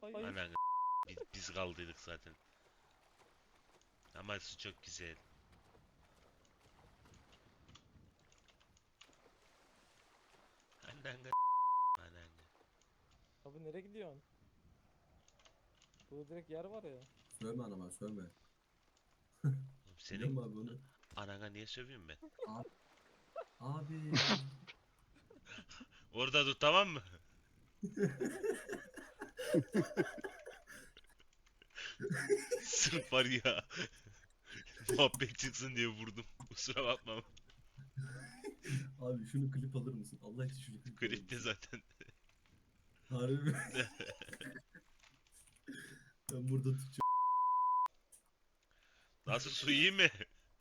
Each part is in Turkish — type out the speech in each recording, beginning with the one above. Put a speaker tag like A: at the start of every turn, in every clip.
A: Anan biz kaldıydık zaten. Ama su çok güzel. Anan anan.
B: Abi nereye gidiyorsun? Burada direkt yer var ya.
C: Sövme anama sövme. Biliyor
A: Senin
C: musun abi onu?
A: anana niye sövüyorum ben?
C: Abi.
A: Orada dur, tamam mı? Sırf var ya. Muhabbet çıksın diye vurdum. Kusura bakma.
C: Abi şunu klip alır mısın? Allah için şunu klip alır
A: Klipte
C: mısın?
A: zaten.
C: Harbi mi? Ben burada tutacağım.
A: Nasıl, su iyi mi?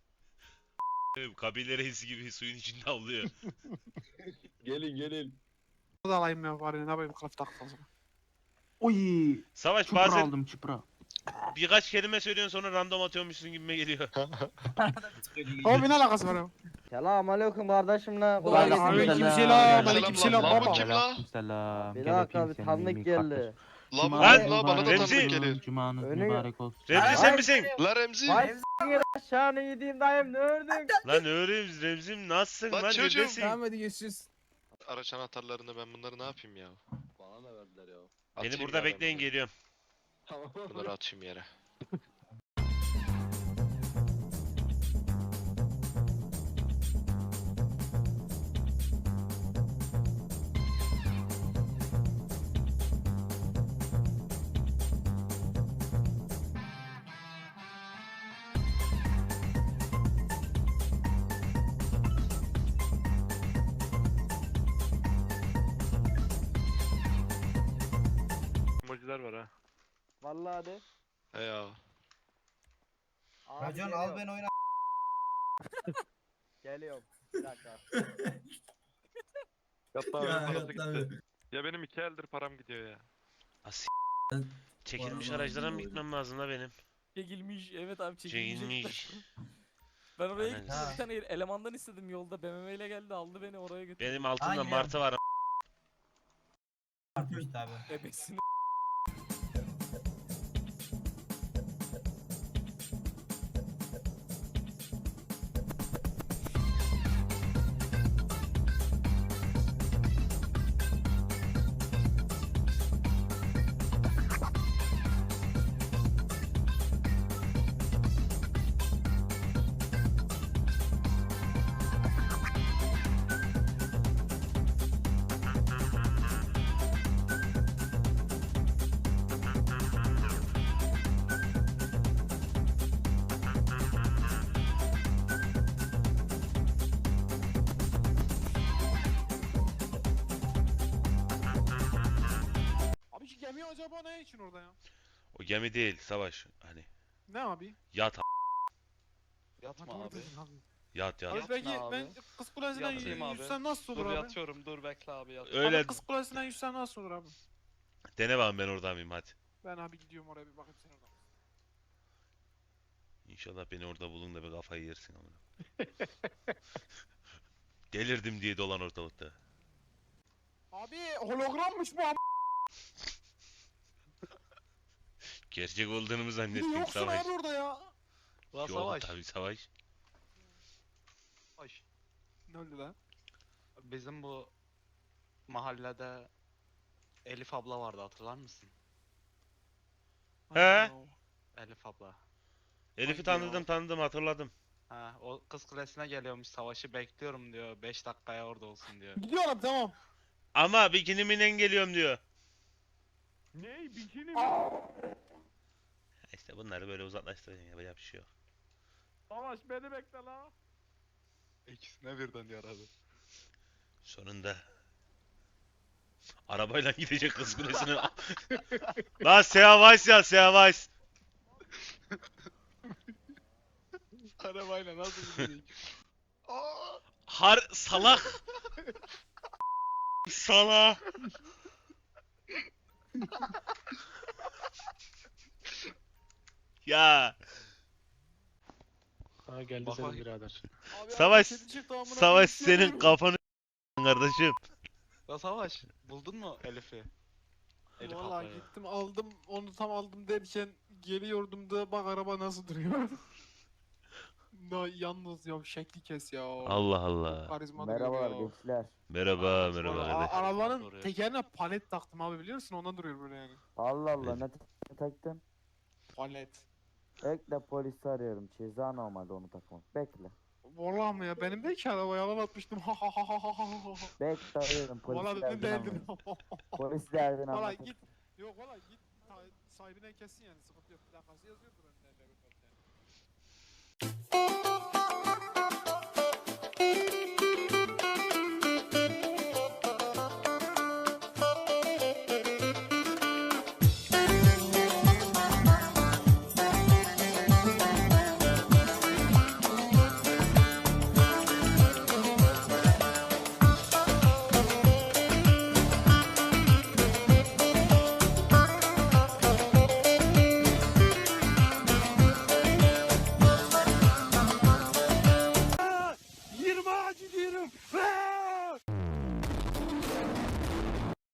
A: Kabile reisi gibi suyun içinde avlıyor.
D: Gelin.
E: Da alayım ya bari ne yapayım kılıf taktım sana. Oy!
A: Savaş
E: Çupra
A: bazen
E: aldım çupra.
A: birkaç kelime söylüyorsun sonra random atıyormuşsun gibime geliyor.
E: Abi ne alakası var ya?
F: Selam aleyküm kardeşim la.
E: Ulan aleykümselam, aleykümselam baba.
D: Kim la?
G: Selam.
F: Bir dakika bir tanıdık geldi.
D: La bu
A: Lan,
D: kim la? Bana da
A: Remzi.
D: tanıdık geliyor.
G: Cumanız
F: Önü-
G: mübarek olsun.
A: Remzi sen misin?
D: La Remzi.
F: Vay s***yin aşağını yediğim dayım ne ördün?
A: Lan öğrenim Remzi'm, nasılsın
D: Lan
A: lan,
D: çocuğum.
A: neredesin?
B: hadi görüşürüz.
D: Araç anahtarlarını ben bunları ne yapayım ya?
H: Bana da verdiler ya.
A: Beni
D: Atayım
A: burada
D: ya ben
A: bekleyin,
D: bunları.
A: geliyorum.
H: Tamam.
D: Bunları atayım yere.
I: Emojiler var ha.
F: Vallahi de.
D: He ya.
F: Abi
J: Racon
F: geliyorum.
J: al beni oyna.
F: Geliyorum. Bir dakika.
I: Yatta
C: Ya
I: abi parası
C: hatta
I: gitti. Ya benim 2 eldir param gidiyor ya.
A: As
C: Ben-
A: çekilmiş
C: Vallahi
A: araçlara mı
C: bilmiyorum.
A: gitmem lazım la benim?
B: Çekilmiş, evet abi çekilmiş.
A: Çekilmiş.
B: Ben oraya
A: Aynen.
B: gittim, bir tane elemandan istedim yolda, BMW ile geldi aldı beni oraya götürdü.
A: Benim altımda
J: Aynen.
A: martı var.
J: Artmış tabi.
B: Ebesini.
E: Abi şu gemi acaba ne için orada ya?
A: O gemi değil Savaş. Hani
E: Ne abi?
A: yat
H: Yatma
E: Doğru
H: abi.
E: dedin abi.
A: yat.
E: Abi
H: Yatma
E: peki
H: abi.
E: ben Kız Kulesi'nden
H: Yatayım abi.
E: yüzsem nasıl olur
H: Dur
E: abi?
H: yatıyorum dur bekle abi yat.
A: Öyle
E: Abi Kız Kulesi'nden yüzsem nasıl olur abi?
A: dene bakayım, ben orada mıyım, hadi.
E: Ben abi gidiyorum oraya bir bakayım sen orada.
A: İnşallah beni orada bulun da bir kafayı yersin amına. Delirdim diye dolan ortalıkta.
E: Abi hologrammış bu abi.
A: Gerçek olduğunu mu
E: Bir de
A: zannettin
E: yoksun
A: Savaş?
E: abi orada ya.
H: La
A: Yok
H: Savaş.
A: tabii Savaş.
H: Savaş.
E: Ne oldu lan?
H: Bizim bu mahallede Elif abla vardı hatırlar mısın?
A: He?
H: Elif abla.
A: Elif'i
H: Hangi o?
A: tanıdım, hatırladım.
H: Ha o Kız Kulesi'ne geliyormuş Savaş'ı bekliyorum diyor 5 dakikaya orada olsun diyor.
E: Gidiyorum tamam.
A: Ama bikinimle geliyorum diyor.
I: Ne? Bikini mi?
A: İşte bunları böyle uzaklaştıracaksın, yapacak bir şey yok.
I: Savaş beni bekle la.
H: İkisine birden yaradı.
A: Sonunda arabayla gidecek Kız Kulesi'ne. Lan Seavaş ya, Seavaş.
H: Arabayla nasıl gidecek?
A: Salak. Salak. Ya
I: Ha geldi
H: Bak
I: senin
H: bak.
I: birader.
E: Abi
A: Savaş,
E: abi, kedi çıktı amına
A: Savaş
E: koyayım,
A: senin
E: sürüyorum.
A: kafanı kardeşim.
H: La Savaş buldun mu Elif'i? Elif
E: Vallahi
H: ablaya.
E: gittim aldım onu tam aldım derken geliyordum da bak araba nasıl duruyor. Da yalnız ya şekli kes ya.
A: Allah Allah.
E: Karizma duruyor ya.
F: gençler.
A: Merhaba
H: Aa,
A: merhaba
H: vallahi
A: kardeş.
E: Arabanın
H: Duruyor.
E: tekerine palet taktım abi biliyor musun? Ondan duruyor böyle yani.
F: Allah
A: Allah,
F: ne taktın?
E: Palet.
F: Bekle polisi arıyorum. Ceza normalde onu takmak. Bekle.
E: Vallahi mı ya? Benim de ki araba yalan atmıştım. Ha ha ha ha ha ha ha.
F: Bekle arıyorum.
E: Vallahi dedim değildim.
F: Polis derdini
E: Vallahi git. Yok vallahi git. Sahibine kessin yani sıkıntı yok. Plakası yazıyordur önünde. Yirmi ağacı diyorum.